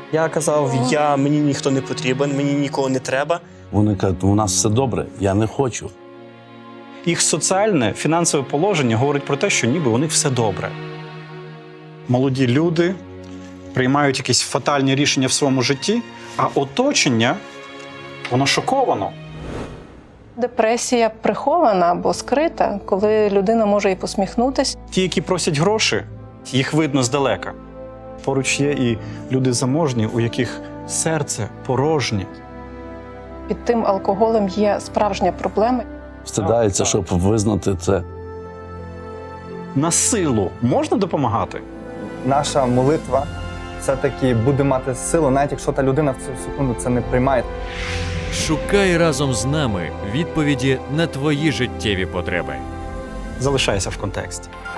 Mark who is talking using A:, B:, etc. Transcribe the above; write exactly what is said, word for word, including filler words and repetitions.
A: Я казав, я, мені ніхто не потрібен, мені нікого не треба.
B: Вони кажуть, у нас все добре, я не хочу.
C: Їх соціальне, фінансове положення говорить про те, що ніби у них все добре. Молоді люди приймають якісь фатальні рішення в своєму житті, а оточення, воно шоковано.
D: Депресія прихована або скрита, коли людина може і посміхнутися.
C: Ті, які просять гроші, їх видно здалека. Поруч є і люди заможні, у яких серце порожнє.
D: Під тим алкоголем є справжня проблема.
B: Встидається, щоб визнати це.
C: На силу можна допомагати?
E: Наша молитва все-таки буде мати силу, навіть якщо та людина в цю секунду це не приймає.
F: Шукай разом з нами відповіді на твої життєві потреби.
C: Залишайся в контексті.